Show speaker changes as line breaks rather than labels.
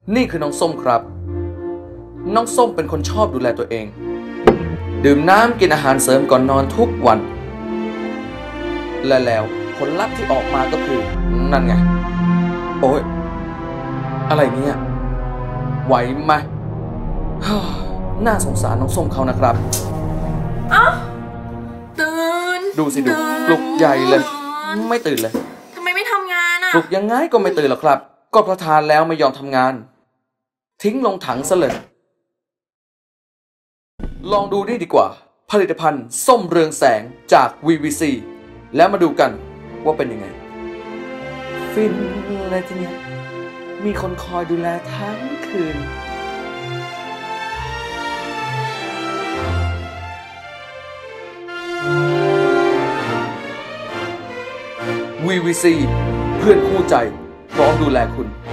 นี่คือน้องส้มครับน้องส้มเป็นคนชอบดูแลตัวเองดื่มน้ำกินอาหารเสริมก่อนนอนทุกวันและแล้วผลลัพธ์ที่ออกมาก็คือนั่นไงโอ้ยอะไรเนี่ยไหวไหมน่าสงสารน้องส้มเขานะครับ
ตื่น
ดูสิดูปลุกใหญ่เลยไม่ตื่นเลย
ทำไมไม่ทำงานอ่ะ
ปลุกยังไงก็ไม่ตื่นหรอกครับก็ประทานแล้วไม่ยอมทำงานทิ้งลงถังซะเลยลองดูนี่ดีกว่าผลิตภัณฑ์ส้มเรืองแสงจาก VVC แล้วมาดูกันว่าเป็นยังไงฟินเลยทีเนี้ยมีคนคอยดูแลทั้งคืนVVC เพื่อนคู่ใจพร้อมดูแลคุณ